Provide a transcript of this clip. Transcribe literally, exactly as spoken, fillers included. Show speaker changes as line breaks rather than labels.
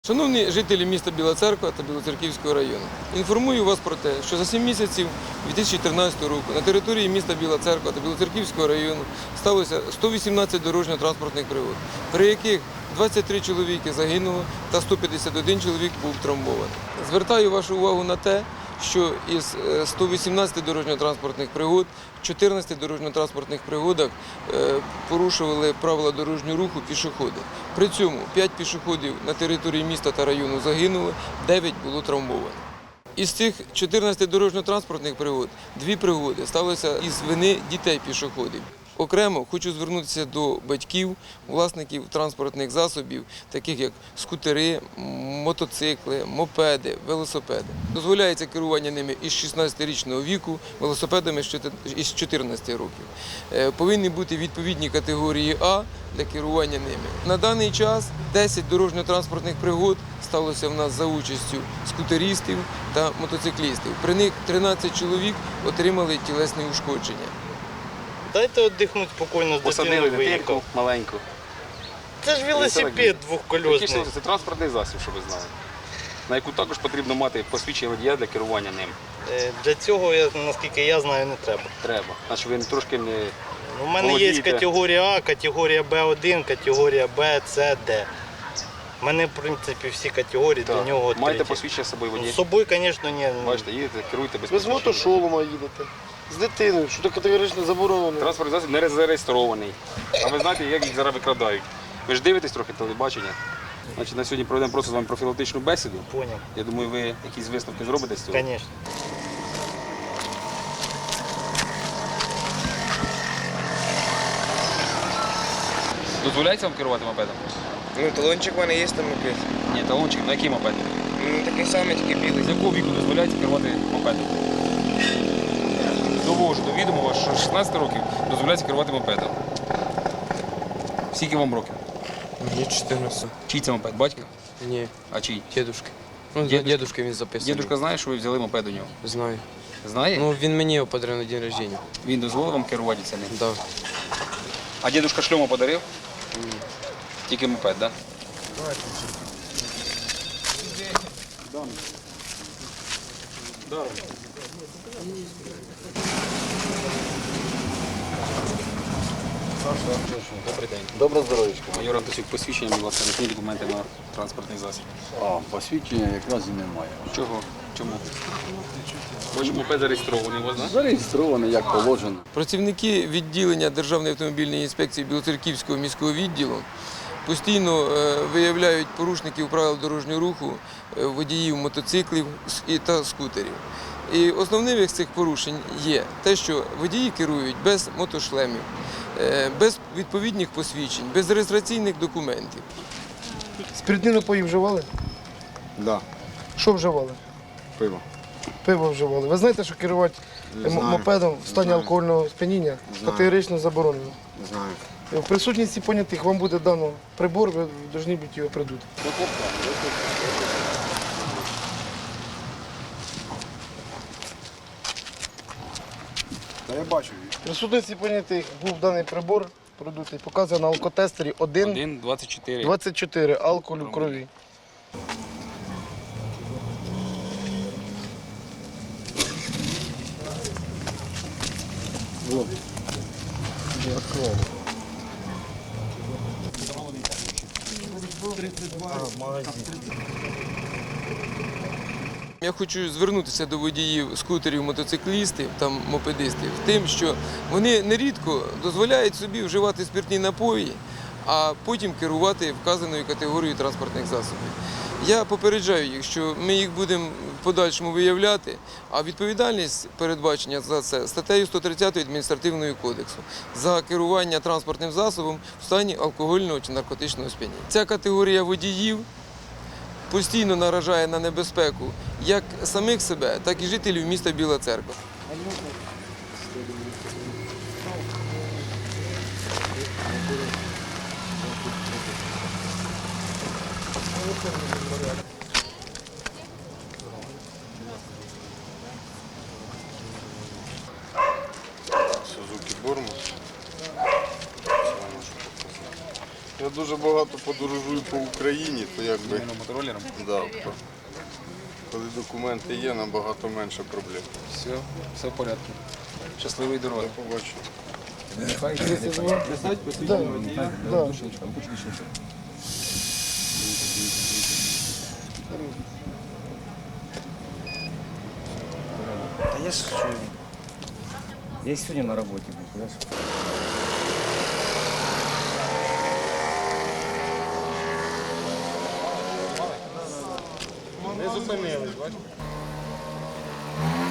Шановні жителі міста Біла Церква та Білоцерківського району, інформую вас про те, що за сім місяців дві тисячі тринадцятого року на території міста Біла Церква та Білоцерківського району сталося сто вісімнадцять дорожньо-транспортних пригод, при яких двадцять три чоловіки загинуло та сто п'ятдесят один чоловік був травмований. Звертаю вашу увагу на те, що із ста вісімнадцяти дорожньо-транспортних пригод в чотирнадцяти дорожньо-транспортних пригодах порушували правила дорожнього руху пішоходи. При цьому п'ять пішоходів на території міста та району загинули, дев'ять було травмовано. Із цих чотирнадцяти дорожньо-транспортних пригод дві пригоди сталися із вини дітей-пішоходів. Окремо хочу звернутися до батьків, власників транспортних засобів, таких як скутери, мотоцикли, мопеди, велосипеди. Дозволяється керування ними із шістнадцятирічного віку, велосипедами із чотирнадцяти років. Повинні бути відповідні категорії А для керування ними. На даний час десять дорожньо-транспортних пригод сталося в нас за участю скутеристів та мотоциклістів. При них тринадцять чоловік отримали тілесні ушкодження.
Дайте віддихнути спокійно, з
Посадили дитинку маленьку.
Це ж велосипед двохкольосний.
Це транспортний засіб, щоб ви знали, на яку також потрібно мати посвідчення водія для керування ним.
Для цього, наскільки я знаю, не треба.
Треба. Значить, ви трошки не
У мене є категорія А, категорія Б один, категорія Б, С, Д. У мене, в принципі, всі категорії
так.
для нього відкриті.
Маєте посвідчення з собою водія?
З собою, звісно, ні.
Бачите, їдете, керуйте без
Ви з
посвідчення.
мотошолома їдете, з дитиною, що то категорично заборонено.
Транспортний засіб не зареєстрований. А ви знаєте, як їх зараз викрадають? Ви ж дивитесь трохи телебачення. Значить, на сьогодні проведемо просто з вами профілактичну бесіду.
Поняв.
Я думаю, ви якісь висновки зробите з цього?
Звісно.
Дозволяється вам керувати мопедом?
Ну, талончик в мене є там мопед.
Ні, талончик. На який мопед?
Ну, такий самий, тільки білий.
З якого віку дозволяється керувати мопедом? Довожу до відома вас, що з шістнадцяти років дозволяється керувати мопедом. Скільки вам років?
Мені чотирнадцять.
Чий це мопед? Батька?
Ні,
А чий?
дідушки. Ну,
Дідушка?
дідушка він записаний.
Дідушка знає, що ви взяли мопед у нього?
Знаю.
Знає?
Ну, він мені його подарив на день рождения.
Він дозволив вам керувати цим?
Да.
А дідушка шльому подарив? Ні. Тільки мопед, так? Да? Добрий день.
Добре здоров'ячко.
Майор Антосюк, посвідчення, будь ласка, які документи на транспортний засіб.
А, посвідчення якраз і немає.
Чого? Чому? Ви ж мопед зареєстрований у вас, так?
Зареєстровано, як положено.
Працівники відділення Державної автомобільної інспекції Білоцерківського міського відділу постійно виявляють порушників правил дорожнього руху, водіїв мотоциклів та скутерів. І основним з цих порушень є те, що водії керують без мотошлемів, без відповідних посвідчень, без реєстраційних документів.
Спиртні напої вживали?
Так, да,
Що вживали?
пиво.
Пиво вживали. Ви знаєте, що керувати
Не знаю.
мопедом в стані
Знаю.
алкогольного сп'яніння
Знаю.
категорично заборонено.
Знаю.
В присутності понятих вам буде дано прибор, ви повинні бути його придути.
Та я бачу.
В присутності понятих був даний прибор продутий, показує на алкотестері один
один двадцять чотири.
двадцять чотири алкоголю в крові.
Я хочу звернутися до водіїв скутерів, мотоциклістів та мопедистів тим, що вони нерідко дозволяють собі вживати спиртні напої, а потім керувати вказаною категорією транспортних засобів. Я попереджаю їх, що ми їх будемо в подальшому виявляти, а відповідальність передбачення за це статтею сто тридцять Адміністративного кодексу за керування транспортним засобом в стані алкогольного чи наркотичного сп'яніння. Ця категорія водіїв постійно наражає на небезпеку як самих себе, так і жителів міста Біла Церква.
Сузуки Бормус.
Я дуже багато подорожую по Україні, то якби
Іменно мотороллером?
да, коли документи є, набагато менше проблем.
Все, все в порядку. Щасливої дороги.
Побачу.
Писать, посвідчення водія.
Да.
Да я ж что? Я и сегодня на работе был, понимаешь?
Не зупинились, бачите?